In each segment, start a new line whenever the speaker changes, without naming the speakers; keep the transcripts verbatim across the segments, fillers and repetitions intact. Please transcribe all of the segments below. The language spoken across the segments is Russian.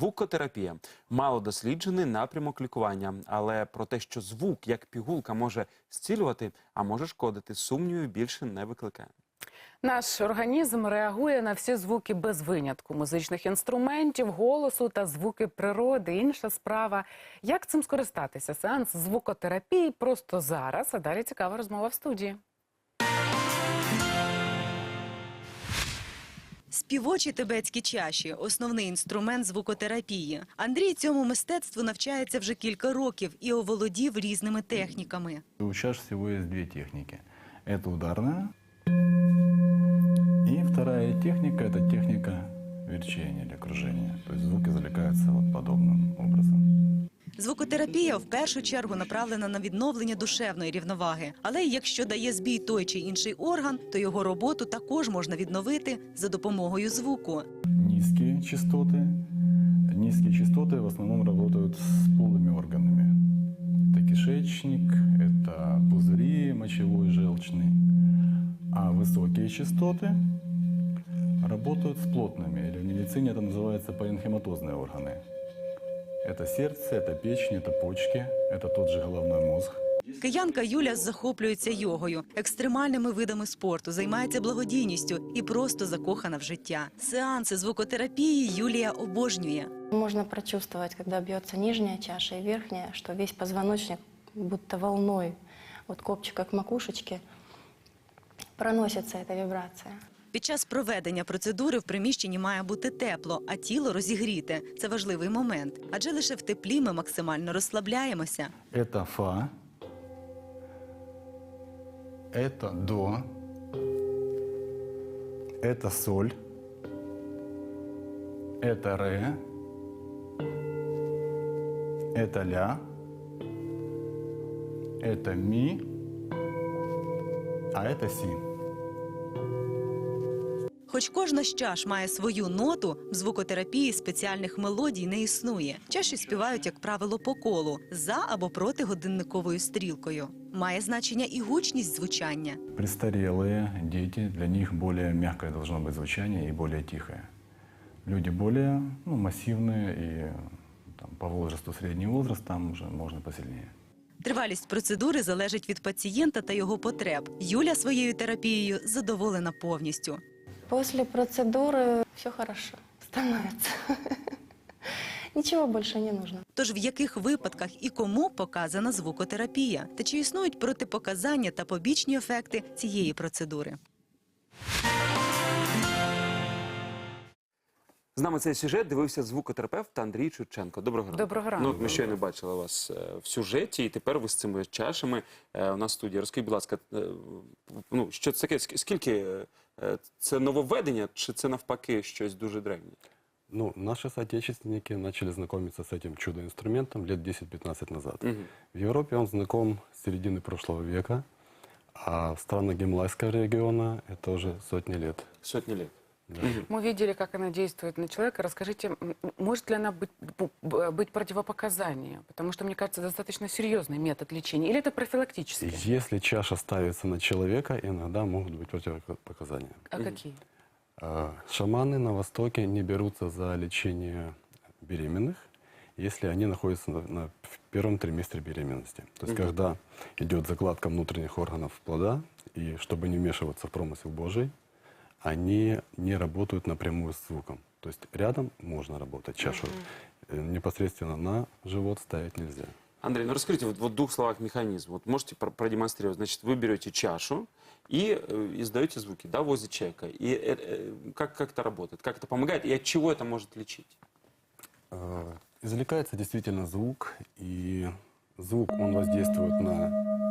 Звукотерапія – малодосліджений напрямок лікування, але про те, що звук, як пігулка, може зцілювати, а може шкодити, сумнівів більше не викликає.
Наш організм реагує на всі звуки без винятку – музичних інструментів, голосу та звуки природи. Інша справа – як цим скористатися? Сеанс звукотерапії просто зараз, а далі цікава розмова в студії.
Співочі тибетські чаші – основний інструмент звукотерапії. Андрій цьому мистецтву навчається вже кілька років і оволодів різними техніками.
У чаш всего есть две техники. Это ударная. И вторая техника – это техника верчения или кружения. То есть звуки извлекаются вот подобным образом.
Звукотерапія в першу чергу направлена на відновлення душевної рівноваги. Але якщо дає збій той чи інший орган, то його роботу також можна відновити за допомогою звуку.
Низкие частоты. Низкие частоты в основном работают с полыми органами. Это кишечник, это пузыри мочевой, желчный. А высокие частоты работают с плотными, или в медицине это называется паренхематозные органы. Это сердце, это печень, это почки, это тот же головной мозг.
Киянка Юля захоплюється йогою, екстремальними видами спорту, займається благодійністю і просто закохана в життя. Сеанси звукотерапії Юлія обожнює.
Можно прочувствовать, когда бьется нижняя чаша и верхняя, что весь позвоночник будто волной от копчика к макушечке проносится эта вибрация.
Під час проведення процедури в приміщенні має бути тепло, а тіло розігріте. Це важливий момент, адже лише в теплі ми максимально розслабляємося.
Это фа, это до, это соль, это ре, это ля, это ми, а это си.
Хоч кожна з чаш має свою ноту, в звукотерапії спеціальних мелодій не існує. Чаші співають, як правило, по колу, за або проти годинниковою стрілкою. Має значення і гучність звучання.
Престарелые дети, для них более мягкое должно быть звучание и более тихое. Люди более ну, массивные и там, по возрасту средний возраст, там уже можно посильнее.
Тривалість процедури залежить від пацієнта та його потреб. Юля своєю терапією задоволена повністю.
После процедуры все хорошо становится. Ничего больше не нужно.
Тож в яких випадках і кому показана звукотерапія? Та чи існують протипоказання та побічні ефекти цієї процедури?
З нами цей сюжет дивився звукотерапевт Андрій Чурченко. Доброго ранку.
Доброго ранку.
Ну, от ми щойно бачили вас е, в сюжеті, і тепер ви з цими чашами е, у нас в студії. Розкажіть, будь ласка, е, ну, що це таке? Ск- Скільки е, це нововведення, чи це навпаки щось дуже древнє?
Ну, наши соотечественники начали знакомиться с этим чудо-инструментом лет десять-пятнадцать назад.
Мгм.
В Европе он знаком с середины прошлого века, а в странах Гималайского региона это уже сотни лет.
Сотні літ.
Мы видели, как она действует на человека. Расскажите, м, может ли она быть, бу- б- быть противопоказание? Потому что, мне кажется, достаточно серьезный метод лечения. Или это профилактический?
Если чаша ставится на человека, иногда могут быть противопоказания.
А какие?
А, Шаманы на Востоке не берутся за лечение беременных, если они находятся на, на- в первом триместре беременности. То есть, когда идет закладка внутренних органов плода, и чтобы не вмешиваться в промысел Божий, они не работают напрямую с звуком. То есть рядом можно работать, чашу э, непосредственно на живот ставить нельзя.
Андрей, ну расскажите вот, вот в двух словах механизм. Вот можете про- продемонстрировать? Значит, вы берете чашу и э, издаете звуки, да, возле человека. И э, э, как, как это работает? Как это помогает? И от чего это может лечить?
Э, Извлекается действительно звук, и звук, он воздействует на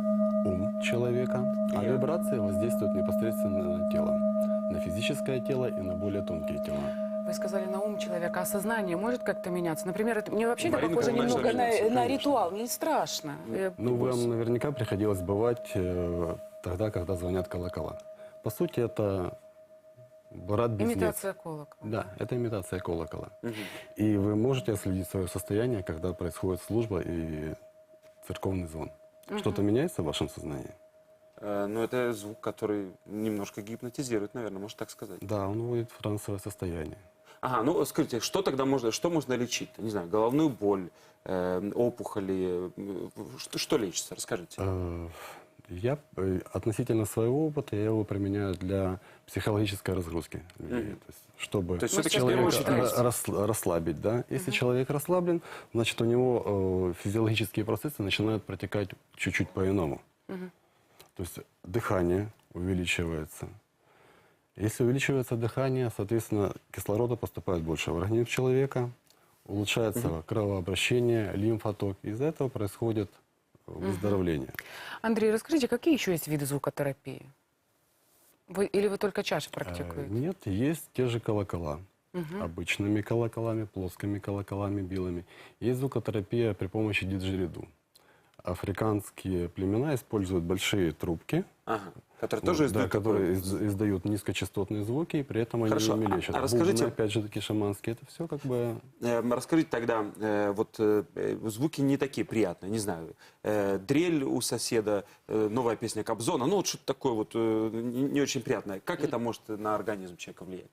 ум человека, а вибрации воздействуют непосредственно на тело, на физическое тело и на более тонкие тела.
Вы сказали на ум человека, а сознание может как-то меняться? Например, это, мне вообще это
Марина
похоже
Николаевна
немного на,
меняется,
на
конечно.
ритуал. Мне страшно. Я
Ну,
боюсь.
вам наверняка приходилось бывать э, тогда, когда звонят колокола. По сути, это брат-близнец.
Имитация колокола.
Да, это имитация колокола. И вы можете отследить свое состояние, когда происходит служба и церковный звон. Что-то меняется в вашем сознании?
Э, ну, это звук, который немножко гипнотизирует, наверное, можно так сказать.
Да, он вводит в трансовое состояние.
Ага, ну скажите, что тогда можно, что можно лечить? Не знаю, головную боль, э, опухоли, э, что, что лечится? Расскажите.
Э, Я э, относительно своего опыта я его применяю для психологической разгрузки людей, то есть, чтобы
То есть всё-таки
в первую
человека
очередь
ра- рас- расслабить, да. Если человек расслаблен, значит у него э, физиологические процессы начинают протекать чуть-чуть по-иному. То есть дыхание увеличивается. Если увеличивается дыхание, соответственно, кислорода поступает больше в организм человека, улучшается кровообращение, лимфоток. Из-за этого происходит выздоровление.
Андрей, расскажите, какие еще есть виды звукотерапии? Вы, или вы только чаши
Э,
практикуете?
Нет, есть те же колокола. Обычными колоколами, плоскими колоколами, белыми. Есть звукотерапия при помощи диджериду. Африканские племена используют большие трубки,
Ага, которые
вот,
тоже
да,
издают такой-
которые из- издают низкочастотные звуки, и при этом
Хорошо,
они ими
а-
лечат.
а расскажите-
Бубны, опять же таки шаманские, это все как бы...
Э, Расскажите тогда, э, вот э, э, звуки не такие приятные, не знаю, э, дрель у соседа, э, новая песня Кобзона, ну вот что-то такое вот э, не не очень приятное. Как это может на организм человека влиять?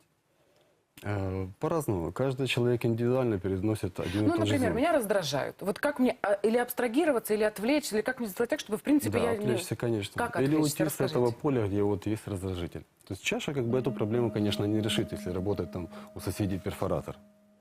э, По-разному. Каждый человек индивидуально переносит один и
Ну,
тот же
например,
звук.
меня раздражают. Вот как мне а, или абстрагироваться, или отвлечься, или как мне сделать так, чтобы, в принципе,
Да,
я не...
отвлечься, конечно.
Как
Или
отвлечься?
уйти с
Расскажите.
этого поля, где вот есть раздражитель. То есть чаша как бы эту проблему, конечно, не решит, если работает там у соседей перфоратор.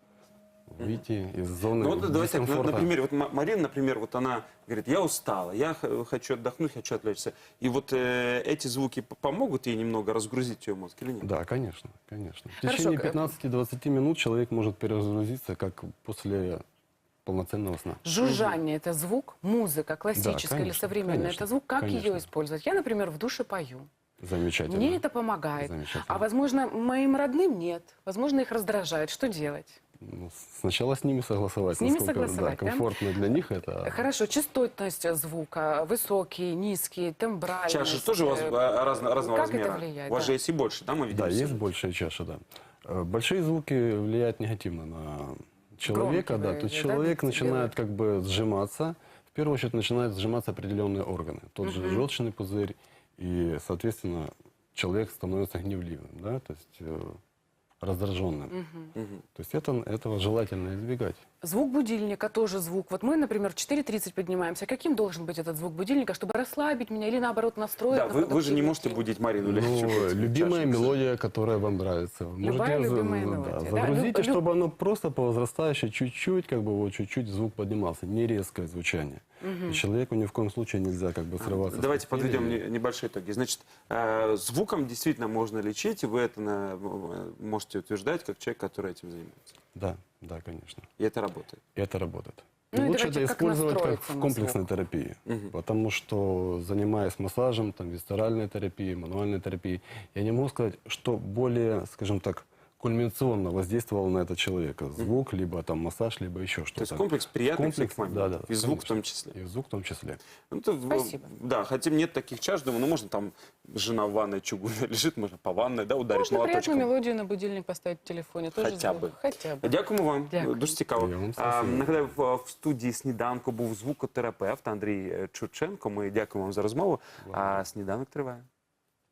Выйти из зоны
Ну вот давайте так, на,
дискомфорта.
на примере, вот Ма- Марина, например, вот она говорит, я устала, я х- хочу отдохнуть, хочу отвлечься. И вот э, эти звуки п- помогут ей немного разгрузить ее мозг или нет?
Да, конечно, конечно. В
Хорошо,
течение
к-
пятнадцати-двадцати минут человек может перезагрузиться, как после полноценного сна.
Жужжание – это звук, музыка, классическая или
конечно,
современная –
конечно,
это звук. Как
конечно.
ее использовать? Я, например, в душе пою.
Замечательно.
Мне это помогает.
Замечательно.
А, возможно, моим родным нет. Возможно, их раздражает. Что делать?
Ну, сначала с ними согласовать.
С ними
насколько,
согласовать,
да,
да?
комфортно для них это.
Хорошо, частотность звука, высокий, низкий, тембральность.
Чаши тоже у вас
э,
а, разно- разного
как
размера?
это влияет?
У вас
да?
же есть и больше, да, мы видим?
Да,
все?
есть большая чаша, да. Э, Большие звуки влияют негативно на человека,
Громкие,
да.
вы
То есть
имеете, да,
человек
децибелы?
начинает как бы сжиматься. В первую очередь начинают сжиматься определенные органы. Тот же желчный пузырь. И, соответственно, человек становится гневливым, да, то есть э, раздраженным. То есть это, этого желательно избегать.
Звук будильника тоже звук. Вот мы, например, в четыре тридцать поднимаемся. Каким должен быть этот звук будильника, чтобы расслабить меня или, наоборот, настроить
Да,
на
вы, вы же не
продуктивность?
можете будить Марину или
Ну,
чего-то,
любимая
чашу.
мелодия, которая вам нравится. Вы
Любая
можете за-
любимая
да,
мелодия, да.
загрузите,
Люб- люб-
чтобы оно просто по возрастающей чуть-чуть, как бы вот чуть-чуть звук поднимался, не резкое звучание. И человеку ни в коем случае нельзя как бы срываться. с
Давайте
постели.
подведем не- небольшие итоги. Значит, э, звуком действительно можно лечить, и вы это на- э, можете утверждать, как человек, который этим занимается.
Да, да, конечно.
И это работает.
И это работает.
Ну
И
и
лучше
давайте
это
как
использовать как
настроиться
в
на
комплексной
звук.
терапии. Потому что, занимаясь массажем, там, висцеральной терапией, мануальной терапией, я не могу сказать, что более, скажем так, кульминационно воздействовал на этого человека. Звук, либо там массаж, либо еще что-то.
То есть комплекс приятных
Комплекс,
всех моментов.
да, да,
И звук в том
конечно.
числе.
И звук в том числе.
Ну, то в-
Спасибо.
Да, хотя нет таких чаш, думаю, ну можно там жена в ванной чугунной лежит, можно по ванной, да, ударить
Можно приятную
молоточком.
мелодию на будильник поставить в телефоне. Тоже
Хоча
звук.
би.
Хотя бы.
Дякуємо вам.
Дякую.
Дуже цікаво.
Я вам
А,
спасибо.
нагадаю, в, в студії «Сніданку» був звукотерапевт Андрій Чурченко. Ми дякуємо вам за розмову. А сніданок триває.